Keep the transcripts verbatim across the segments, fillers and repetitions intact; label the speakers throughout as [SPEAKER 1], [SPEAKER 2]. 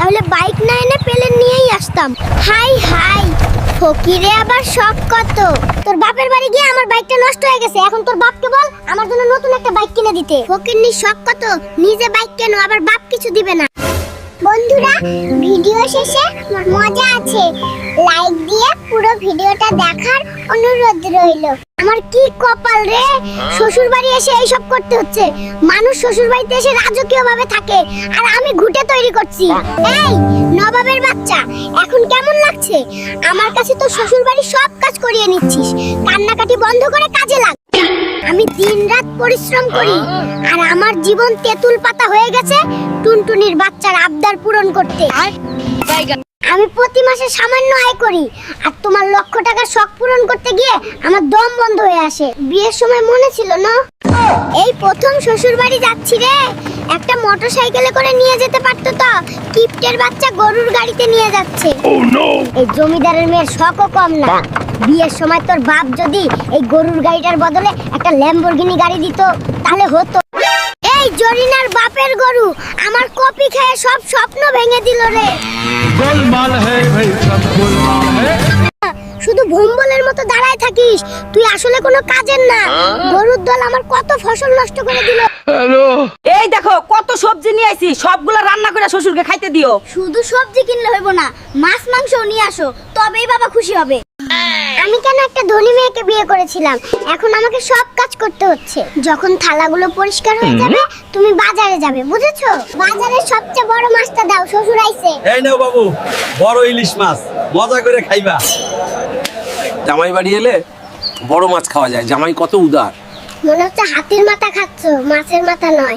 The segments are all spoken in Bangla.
[SPEAKER 1] হলে বাইক না এনে পেলেন নিয়েই আসতাম। হাই হাই, ফকিরে আবার শখ কত। তোর বাপের বাড়ি গিয়ে আমার বাইকটা নষ্ট হয়ে গেছে, এখন তোর বাপকে বল আমার জন্য নতুন একটা বাইক কিনে দিতে। ফকিরনির শখ কত, নিজে বাইক কেন, আবার বাপ কিছু দিবে না। বন্ধুরা, ভিডিও শেষে মজা আছে, লাইক দিয়ে পুরো ভিডিওটা দেখার অনুরোধ রইল। আমার কি কপাল রে, শ্বশুর বাড়ি এসে এইসব করতে হচ্ছে। মানুষ শ্বশুর বাড়িতে এসে রাজকীয় ভাবে থাকে, আর আমি ঘুটে তৈরি করছি। এই নবাবের বাচ্চা, এখন কেমন লাগছে? আমার কাছে তো শ্বশুর বাড়ির সব কাজ করিয়ে নিচ্ছিস, কান্নাকাটি বন্ধ করে কাজে লাগ। আমি দিনরাত পরিশ্রম করি, আর আমার জীবন তেঁতুল পাতা হয়ে গেছে টুনটুনির বাচ্চার আবদার পূরণ করতে। আমি প্রতি মাসে সামান্য আয় করি, আর তোমার লক্ষ টাকার শখ পূরণ করতে গিয়ে আমার দম বন্ধ হয়ে আসে। বিয়ের সময় মনে ছিল না? এই প্রথম শ্বশুর বাড়ি যাচ্ছি রে, একটা মোটরসাইকেলে করে নিয়ে যেতে পারতো তো। কিপ্টের বাচ্চা গরুর গাড়িতে নিয়ে যাচ্ছে। এই জমিদারের মেয়ের শখও কম না। বিয়ের সময় তোর বাপ যদি এই গরুর গাড়িটার বদলে একটা ল্যাম্বরগিনি গাড়ি দিত, তাহলে হতো। এই জরিনার বাপের গরু আমার কপি খেয়ে সব স্বপ্ন ভেঙে দিল রে। গোলমাল হে ভাই, সব গোলমাল হে। শুধু ভুম্বলের মতো দাঁড়ায় থাকিস, তুই আসলে কোনো কাজের না। গরুর দল আমার কত ফসল নষ্ট করে দিল।
[SPEAKER 2] হ্যালো, এই দেখো কত সবজি নিয়ে আইছি, সবগুলা রান্না করে শ্বশুরকে খাইতে দিও।
[SPEAKER 1] শুধু সবজি কিনলে হইব না, মাছ মাংসও নিয়ে আসো, তবেই বাবা খুশি হবে। আমি কেন একটা ধনী মেয়েকে বিয়ে করেছিলাম, এখন আমাকে সব কাজ করতে হচ্ছে। যখন থালাগুলো পরিষ্কার হয়ে যাবে তুমি বাজারে যাবে, বুঝেছো? বাজারের সবচেয়ে বড় মাছটা দাও, শ্বশুর আইছে।
[SPEAKER 3] এই নাও বাবু, বড় ইলিশ মাছ, মজা করে খাইবা।
[SPEAKER 4] জামাই বাড়ি এলে বড় মাছ খাওয়া যায়, জামাই কত উদার।
[SPEAKER 1] মনে হচ্ছে হাতির মাথা খাচ্ছ, মাছের মাথা নয়।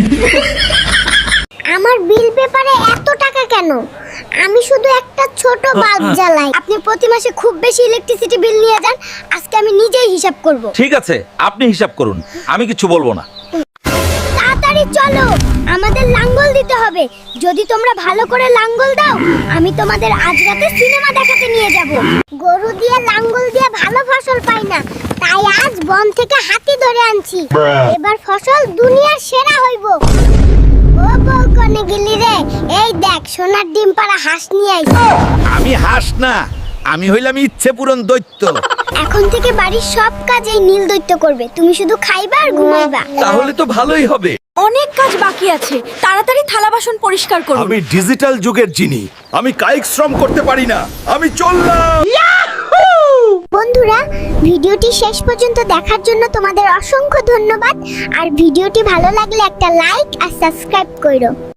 [SPEAKER 1] আমার বিল পেপারে এত টাকা কেন? আমি শুধু একটা ছোট বাল্ব জ্বালাই। আপনি প্রতি মাসে খুব বেশি ইলেকট্রিসিটি বিল নিয়ে যান, আজকে আমি নিজেই হিসাব করব।
[SPEAKER 5] ঠিক আছে, আপনি হিসাব করুন, আমি কিছু বলবো না।
[SPEAKER 1] তাড়াতাড়ি চলো, আমাদের লাঙ্গল দিতে হবে। যদি তোমরা ভালো করে লাঙ্গল দাও, আমি তোমাদের আজ রাতে সিনেমা দেখাতে নিয়ে যাব। গরু দিয়ে লাঙ্গল দিয়ে ভালো ফসল পাই না, তাই আজ বন থেকে হাতি ধরে আনছি। এবার ফসল দুনিয়ার সেরা হইব। ও বউ কোনে গেলি রে? এই দেখ, সোনার ডিম পাড়া হাঁস নিয়ে আইছি।
[SPEAKER 5] আমি হাঁস না, আমি হইলাম ইচ্ছে পূরণ দৈত্য।
[SPEAKER 1] এখন থেকে বাড়ির সব কাজ এই নীল দৈত্য করবে, তুমি শুধু খাইবা আর ঘুমাইবা।
[SPEAKER 5] তাহলে তো ভালোই হবে।
[SPEAKER 2] অনেক কাজ বাকি আছে, তাড়াতাড়ি থালা বাসন পরিষ্কার করুন।
[SPEAKER 5] আমি ডিজিটাল যুগের জিনি, আমি কায়িক শ্রম করতে পারি না। আমি চললাম।
[SPEAKER 1] বন্ধুরা, ভিডিওটি শেষ পর্যন্ত দেখার জন্য তোমাদের অসংখ্য ধন্যবাদ। আর ভিডিওটি ভালো লাগলে একটা লাইক আর সাবস্ক্রাইব করো।